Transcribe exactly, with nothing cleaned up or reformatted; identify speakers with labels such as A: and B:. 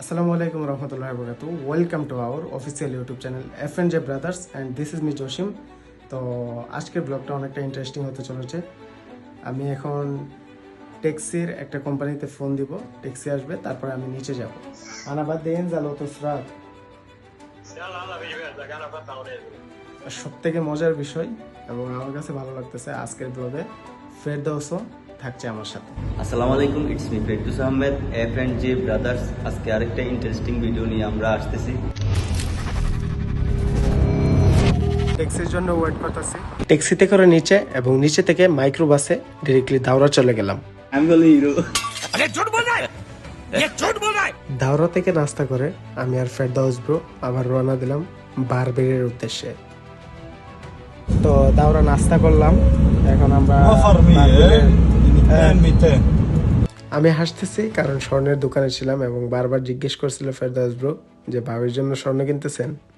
A: Assalamualaikum warahmatullahi wabarakatuh. Welcome to our official YouTube channel F N J Brothers and this is me Joshim. তো আজকের ব্লগটা অনেকটা interesting হতে চলেছে। আমি এখন ট্যাক্সির একটা কোম্পানিতে ফোন দিব, ট্যাক্সি আসবে, তারপরে আমি নিচে যাব। আনা বাদ দেন জালো তো সরাত। সবথেকে মজার বিষয় এবং আমার কাছে ভালো লাগতেছে আজকের ব্লগে ফেরদৌসও থাকছে আমার সাথে।
B: আসসালামু আলাইকুম, it's me Ferdous Ahmed, F and J brothers. আজকে আরেকটা ইন্টারেস্টিং ভিডিও নিয়ে আমরা আসতেছি।
A: ট্যাক্সির জন্য ওয়েট করতেছি। ট্যাক্সিতে করে নিচে এবং নিচে থেকে মাইক্রো বাসে ডাইরেক্টলি দাওরা চলে গেলাম।
B: আমি বলি হিরো।
A: আরে ঝুট বল রहा है ये झूठ बोल रहा है। দাওরা থেকে নাস্তা করে আমি আর ফেরদৌস ব্রো আবার রওনা দিলাম বারবেরের উদ্দেশ্যে। তো দাওরা নাস্তা করলাম, এখন আমরা আমি হাসতেছি কারণ স্বর্ণের দোকানে ছিলাম এবং বারবার জিজ্ঞেস করছিল ফেরদৌস ব্রো যে ভাবির জন্য স্বর্ণ কিনতেছেন।